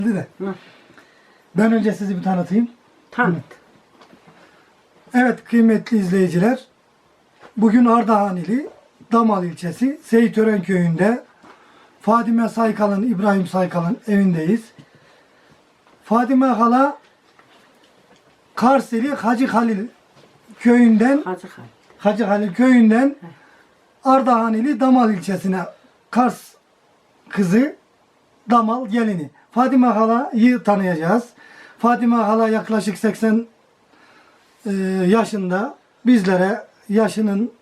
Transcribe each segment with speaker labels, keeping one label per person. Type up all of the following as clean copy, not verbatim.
Speaker 1: de.
Speaker 2: Hı.
Speaker 1: Ben önce sizi bir tanıtayım.
Speaker 2: Tanıt.
Speaker 1: Evet kıymetli izleyiciler. Bugün Ardahan ili Damal ilçesi Seyitören köyünde Fadime Saykal'ın, İbrahim Saykal'ın evindeyiz. Fadime hala Kars ili Hacı Halil köyünden Hacı Halil köyünden Ardahan ili Damal ilçesine Kars kızı, Damal gelini. Fadime hala'yı tanıyacağız. Fadime hala yaklaşık 80 yaşında. Bizlere yaşının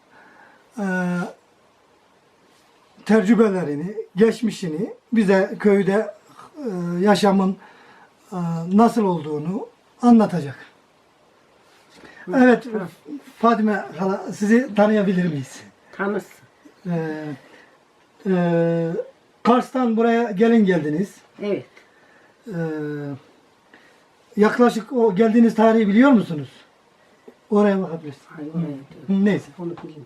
Speaker 1: tecrübelerini, geçmişini, bize köyde yaşamın nasıl olduğunu anlatacak. Evet, Fadime hala sizi tanıyabilir miyiz?
Speaker 2: Tanısın.
Speaker 1: Kars'tan buraya gelin geldiniz.
Speaker 2: Evet.
Speaker 1: Yaklaşık o geldiğiniz tarihi biliyor musunuz? Oraya bakabiliriz.
Speaker 2: Hayır,
Speaker 1: Neyse.
Speaker 2: onu bileyim.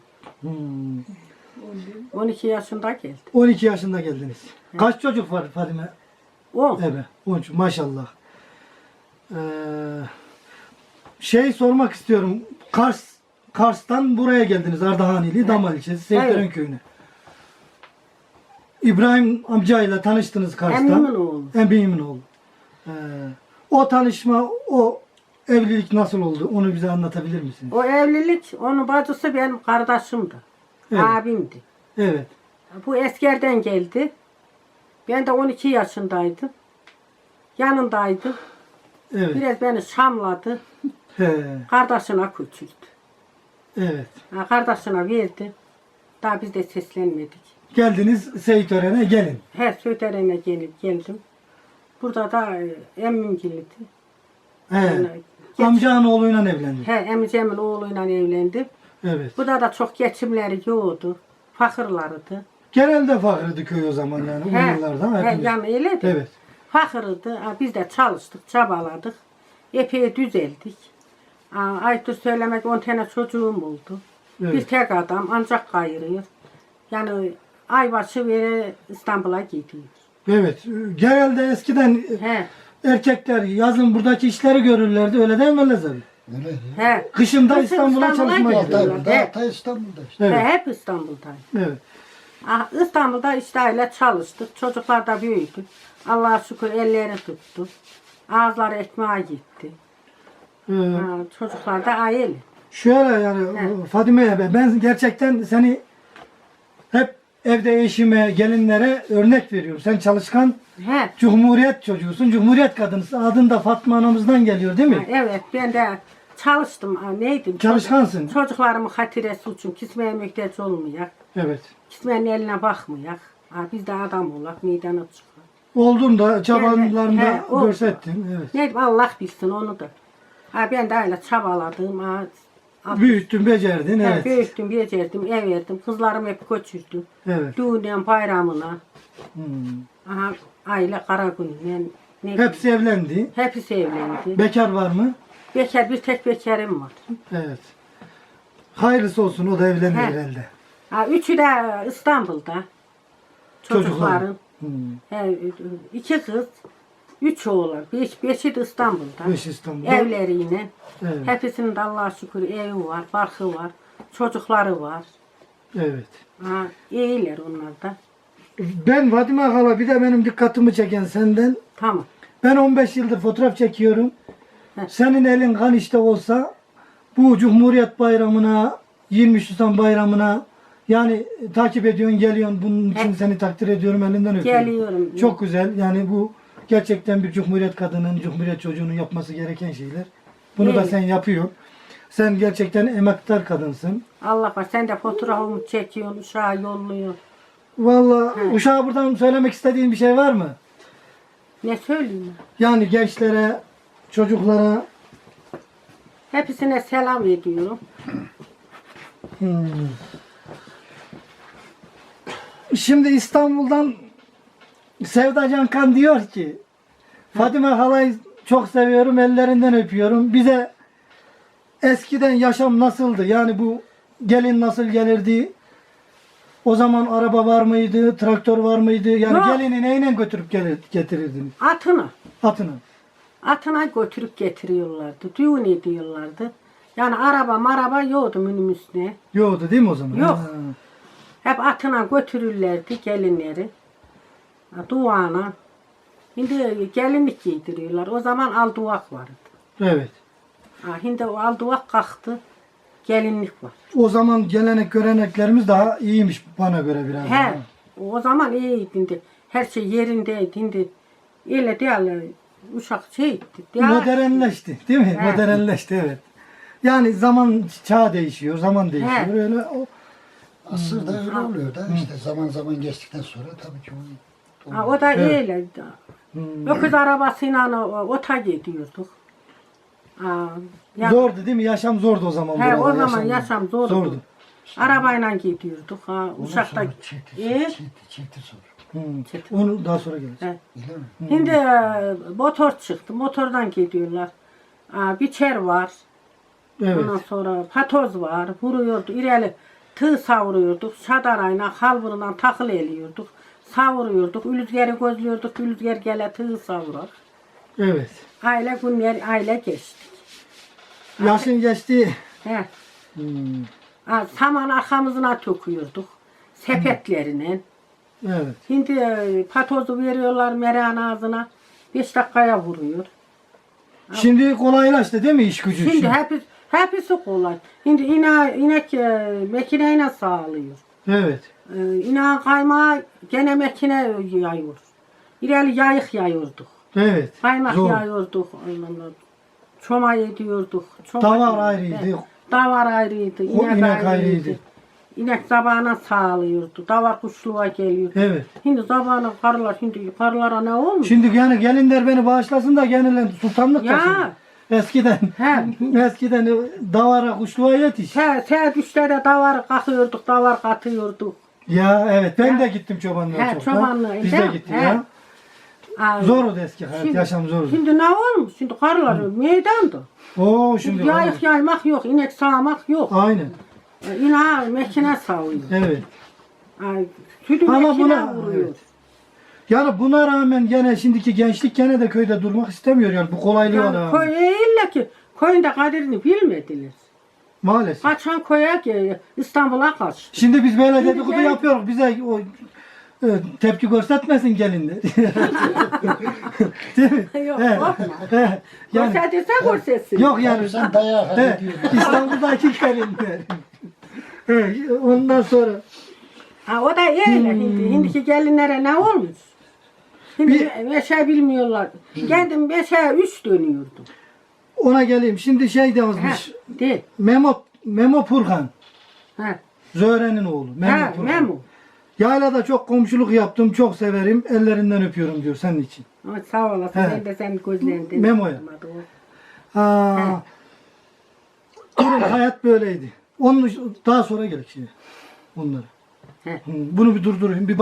Speaker 1: Hmm.
Speaker 2: 12 yaşında geldi.
Speaker 1: 12 yaşında geldiniz. Kaç çocuk var Fadime?
Speaker 2: 10.
Speaker 1: Evet. 13 maşallah. Sormak istiyorum. Kars'tan buraya geldiniz. Ardahan ili Damal ilçesi Seyitören
Speaker 2: Evet.
Speaker 1: köyüne. İbrahim amcayla tanıştınız Kars'tan.
Speaker 2: Emmimin oğlu.
Speaker 1: Emmimin oğlu. O tanışma, o evlilik nasıl oldu? Onu bize anlatabilir misiniz?
Speaker 2: O evlilik, onun bacısı benim kardeşimdi.
Speaker 1: Evet.
Speaker 2: Abimdi.
Speaker 1: Evet.
Speaker 2: Bu eskerden geldi. Ben de 12 yaşındaydım. Yanındaydım.
Speaker 1: Evet.
Speaker 2: Biraz beni şamladı.
Speaker 1: He.
Speaker 2: Kardeşine küçüldü.
Speaker 1: Evet.
Speaker 2: Kardeşine verdi. Daha biz de seslenmedik.
Speaker 1: Geldiniz Seyitören'e gelin.
Speaker 2: Her Söğüteren'e geldim. Burada da emmim geldi.
Speaker 1: He. Amcanın oğluyla evlendi.
Speaker 2: He, emmicemin oğluyla evlendim.
Speaker 1: Evet.
Speaker 2: Burada da çok geçimleri yoktu. Fakirlardı.
Speaker 1: Genelde fakirdi köy o zaman yani. O yıllarda.
Speaker 2: He,
Speaker 1: hepimiz.
Speaker 2: yani öyle de.
Speaker 1: Evet.
Speaker 2: Fakirdi. Biz de çalıştık, çabaladık. Epey düzeldik. Ayıptır söylemek 10 tane çocuğum oldu.
Speaker 1: Evet.
Speaker 2: Bir tek adam ancak kayırıyor. Yani aybaşı vere İstanbul'a gidiyor.
Speaker 1: Evet. Genelde eskiden
Speaker 2: He,
Speaker 1: erkekler yazın buradaki işleri görürlerdi. Öyle değil mi Lezer?
Speaker 3: Öyle.
Speaker 2: he.
Speaker 1: Kışında
Speaker 2: Kışın
Speaker 1: İstanbul'a
Speaker 2: İstanbul'a
Speaker 1: çalışmaya
Speaker 2: gidiyorlar.
Speaker 1: gidiyorlar.
Speaker 3: Hatta İstanbul'da işte.
Speaker 1: Evet.
Speaker 2: Hep İstanbul'dayım.
Speaker 1: Evet.
Speaker 2: İstanbul'da işte öyle çalıştık. Çocuklar da büyüdü. Allah'a şükür elleri tuttu. Ağızları ekmeğe gitti. Çocuklar da aile.
Speaker 1: Şöyle yani Fadime'ye ben gerçekten seni hep evde eşime, gelinlere örnek veriyorum. Sen çalışkan
Speaker 2: He.
Speaker 1: Cumhuriyet çocuğusun, Cumhuriyet kadınısın. Adın da Fatma anamızdan geliyor değil mi?
Speaker 2: Evet ben de çalıştım. Neydim?
Speaker 1: Çalışkansın.
Speaker 2: Çocuklarımın hatiresi için kismeye muhtaç olmayak.
Speaker 1: Evet.
Speaker 2: Kismenin eline bakmayak. Biz de adam olak, meydana çıkar.
Speaker 1: Olduğunda çabalarında
Speaker 2: He, oldu.
Speaker 1: görsettin. Evet.
Speaker 2: Neydim Allah bilsin onu da. Ben de öyle çabaladım.
Speaker 1: Büyüttün, becerdin. Evet.
Speaker 2: Büyüttüm, becerdim, ev verdim. Kızlarım hep göçürdü.
Speaker 1: Evet.
Speaker 2: Düğünden bayramına.
Speaker 1: Hmm.
Speaker 2: Aile Karagün'le.
Speaker 1: Hepsi evlendi.
Speaker 2: Hepsi evlendi.
Speaker 1: Bekar var mı?
Speaker 2: Bekar, bir tek bekarım var.
Speaker 1: Evet. Hayırlısı olsun, o da evlendi
Speaker 2: He.
Speaker 1: herhalde.
Speaker 2: Üçü de İstanbul'da. Çocukların.
Speaker 1: Hmm.
Speaker 2: İki kız, 3 oğlan. Beşi de İstanbul'da.
Speaker 1: Beş İstanbul'da.
Speaker 2: Evleriyle.
Speaker 1: Evet.
Speaker 2: Hepsinin de Allah'a şükür evi var, barkı var. Çocukları var.
Speaker 1: Evet.
Speaker 2: İyiler onlar da.
Speaker 1: Ben Fadime hala bir de benim dikkatimi çeken senden.
Speaker 2: Tamam.
Speaker 1: Ben 15 yıldır fotoğraf çekiyorum.
Speaker 2: Heh.
Speaker 1: Senin elin kan işte olsa bu Cumhuriyet Bayramı'na, 23 Nisan Bayramı'na yani takip ediyorsun, geliyorsun. Bunun için seni takdir ediyorum, elinden öpüyorum.
Speaker 2: Geliyorum.
Speaker 1: Çok güzel. Yani bu gerçekten bir Cumhuriyet kadının, Cumhuriyet çocuğunun yapması gereken şeyler. Bunu da
Speaker 2: Evet.
Speaker 1: sen yapıyorsun. Sen gerçekten emektar kadınsın.
Speaker 2: Allah var. Sen de fotoğrafımı çekiyorsun, uşağa yolluyorsun.
Speaker 1: Vallahi
Speaker 2: He.
Speaker 1: uşağa buradan söylemek istediğin bir şey var mı?
Speaker 2: Ne söyleyeyim?
Speaker 1: Yani gençlere, çocuklara.
Speaker 2: Hepsine selam ediyorum.
Speaker 1: Şimdi İstanbul'dan Sevda Cankan diyor ki Fadime halayı çok seviyorum, ellerinden öpüyorum. Bize eskiden yaşam nasıldı? Yani bu gelin nasıl gelirdi? O zaman araba var mıydı, traktör var mıydı? Yani
Speaker 2: Yok.
Speaker 1: gelini neyle götürüp getirirdiniz?
Speaker 2: Atını.
Speaker 1: Atını.
Speaker 2: Atına götürüp getiriyorlardı. Düğün ediyorlardı. Yani araba yoktu minibüsüne.
Speaker 1: Yoktu değil mi o zaman?
Speaker 2: Yok.
Speaker 1: Ha.
Speaker 2: Hep atına götürürlerdi gelinleri. Duvağına. Şimdi gelinlik giydiriyorlar. O zaman alduvak vardı.
Speaker 1: Evet.
Speaker 2: Şimdi o alduvak kalktı. Gelinlik var.
Speaker 1: O zaman gelenek göreneklerimiz daha iyiymiş bana göre biraz.
Speaker 2: He. O zaman iyiydi. Şimdi. Her şey yerindeydi. Şimdi öyle değil. Uşak şeydi.
Speaker 1: Modernleşti değil mi?
Speaker 2: He.
Speaker 1: Modernleşti evet. Yani zaman çağ değişiyor, zaman değişiyor.
Speaker 2: He.
Speaker 1: Öyle o
Speaker 3: Asırda öyle oluyor da işte zaman geçtikten sonra tabii ki o
Speaker 2: O da
Speaker 1: Evet.
Speaker 2: öyle. Öküz arabasıyla ota gidiyorduk. Yani,
Speaker 1: zordu değil mi? Yaşam zordu o zaman.
Speaker 2: He, o
Speaker 1: buralar,
Speaker 2: zaman yaşam zordu.
Speaker 1: Zordu.
Speaker 2: Arabayla gidiyorduk. Uşakta.
Speaker 3: çifti sor.
Speaker 1: Onu daha sonra geleceğiz.
Speaker 2: He.
Speaker 3: Bilir mi?
Speaker 2: Şimdi motor çıktı. Motordan gidiyorlar. Biçer var.
Speaker 1: Evet.
Speaker 2: Ondan sonra patoz var. Vuruyordu. İreli tığ savuruyorduk. Şadarayla halburundan takıl eliyorduk. Savuruyorduk. Ülüzgeri gözlüyorduk. Ülüzger gele tığ savurar.
Speaker 1: Evet.
Speaker 2: Aile günler aile geçti.
Speaker 1: Yaşın geçti.
Speaker 2: He.
Speaker 1: Hmm.
Speaker 2: Saman arkamızına töküyorduk. Sepetlerine.
Speaker 1: Evet.
Speaker 2: Şimdi patozu veriyorlar mereğin ağzına. 5 dakikaya vuruyor.
Speaker 1: Şimdi kolaylaştı değil mi iş gücü?
Speaker 2: Şimdi hepsi kolay. Şimdi inek makineyle sağlıyor.
Speaker 1: Evet.
Speaker 2: İneğin kaymağı gene makine yayıyor. İleri yayık yayıyorduk.
Speaker 1: Evet.
Speaker 2: Kaymak
Speaker 1: Zor.
Speaker 2: yayıyorduk. Çoma ediyorduk.
Speaker 1: Davar ayrıydı.
Speaker 2: Davar ayrıydı.
Speaker 1: O inek ayrıydı.
Speaker 2: İnek zabağına sağlıyordu. Davar kuşluğa geliyordu.
Speaker 1: Evet.
Speaker 2: Şimdi zabağına karılar, şimdi karılara ne olmuş?
Speaker 1: Şimdi yani gelinler beni bağışlasın da gelinler sultanlık
Speaker 2: Ya.
Speaker 1: taşıyor. Eskiden eskiden davara kuşluğa yetiş.
Speaker 2: Saat 3'te davar kakıyorduk, davar katıyorduk.
Speaker 1: Ya evet ben de gittim çobanlığa
Speaker 2: He,
Speaker 1: çok.
Speaker 2: çobanlığa,
Speaker 1: Biz de
Speaker 2: değil mi?
Speaker 1: gittik
Speaker 2: He.
Speaker 1: ya.
Speaker 2: Aa,
Speaker 1: Zordu eski hayat,
Speaker 2: Şimdi-
Speaker 1: yaşam zordu.
Speaker 2: Şimdi ne olmuş? Şimdi karılar meydandı.
Speaker 1: Oo şimdi
Speaker 2: Yayık yaymak yok, inek sağmak yok.
Speaker 1: aynen.
Speaker 2: İneği mekine sağıyor.
Speaker 1: Evet.
Speaker 2: Sütü
Speaker 1: Ama
Speaker 2: mekine
Speaker 1: buna-
Speaker 2: vuruyor.
Speaker 1: evet. Yani buna rağmen gene şimdiki gençlik gene de köyde durmak istemiyor yani bu kolaylığa
Speaker 2: Yani
Speaker 1: rağmen.
Speaker 2: köy illa ki köyün de kaderini bilmediler.
Speaker 1: Maalesef.
Speaker 2: Kaçan köye ki İstanbul'a kaçtı.
Speaker 1: Şimdi biz böyle
Speaker 2: Şimdi
Speaker 1: dedikodu
Speaker 2: gel-
Speaker 1: yapıyoruz. Bize o tepki göstermesin gelinler. Değil mi?
Speaker 2: Yok,
Speaker 1: He,
Speaker 2: korkma.
Speaker 1: he. Yani,
Speaker 2: Görsetirse görsetsin.
Speaker 1: yok yani.
Speaker 3: Sen dayağı hak
Speaker 1: He,
Speaker 3: ediyorsun.
Speaker 1: İstanbul'daki gelinler. He, ondan sonra
Speaker 2: O da öyle şimdi. Şimdiki gelinlere ne olmuş? Şimdi beşe bilmiyorlar. Kendim 5'e 3 dönüyordum.
Speaker 1: ona geleyim. Şimdi şey de yazmış.
Speaker 2: De.
Speaker 1: Memo Purhan.
Speaker 2: He.
Speaker 1: Zöhre'nin oğlu. Memo
Speaker 2: He,
Speaker 1: Purhan.
Speaker 2: Memo.
Speaker 1: Yaylada çok komşuluk yaptım. Çok severim. Ellerinden öpüyorum diyor senin için.
Speaker 2: Ama sağ olasın.
Speaker 1: He.
Speaker 2: Ben de senin gözlerinden.
Speaker 1: Memo'ya. Ha. Durum hayat böyleydi. Onun daha sonra gerek şimdi. Bunları.
Speaker 2: He.
Speaker 1: Bunu bir durdurayım. Bir